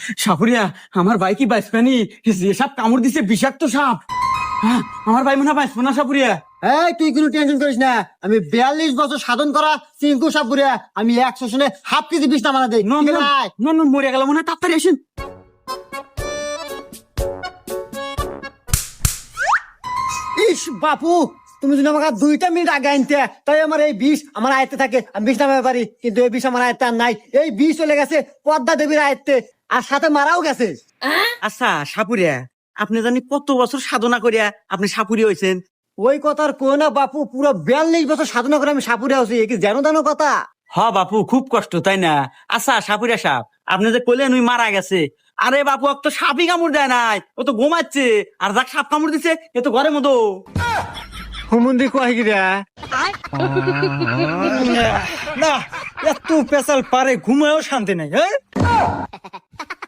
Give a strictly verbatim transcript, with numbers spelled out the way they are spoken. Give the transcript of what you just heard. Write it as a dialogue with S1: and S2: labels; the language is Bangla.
S1: সাপুরিয়া আমার ভাই কি বাইসপানি যে সাপ কামড় দিছে বিষাক্ত সাপ। হ্যাঁ, আমার ভাই মনে হয় বাইসপো না সাপুরিয়া।
S2: এই তুই কোনো টেনশন করিস না, আমি বিয়াল্লিশ বছর সাধন করা চিঙ্কু সাপুরিয়া, আমি একশো শুনে হাফ কেজি বিষ নামানা দেই।
S1: নন নন নন নন, মরে গেল মনে হয়, তাড়াতাড়ি আসেন।
S2: ইস বাপু, তুমি যদি আমাকে দুইটা মিনিট আগে আনতে, তাই আমার এই বিষ আমার আয়ত্তে থাকে, আমি বিষ নামাতে পারি, কিন্তু এই বিষ আমার আয়ত্তে আর নাই। এই বিষ চলে গেছে পদ্মা দেবীর আয়ত্তে, আর সাথে মারাও গেছে।
S1: আচ্ছা সাপুরিয়া, আপনি জানি কত বছর সাধনা করিয়া আপনি সাপুরি হয়েছেন?
S2: ওই কথার কো না বাপু, পুরো বিয়াল্লিশ বছর সাধনা করে আমি সাপুরিয়া হচ্ছি, এ কি জানো জানো কথা?
S1: হ বাপু, খুব কষ্ট তাই না? আচ্ছা সাপুরিয়া সাপ, আপনি যে কইলেন ওই মারা গেছে, আরে বাপু ও তো সাপই কামড় দেয় নাই, ও তো ঘুমাচ্ছে। আর যাক সাপ কামড় দিছে এ তো ঘরের মতো।
S2: হুমুন্দি কয় গিরা
S3: না, এত পেশাল পারে ঘুমায়ও শান্তি নাই। হ্যাঁ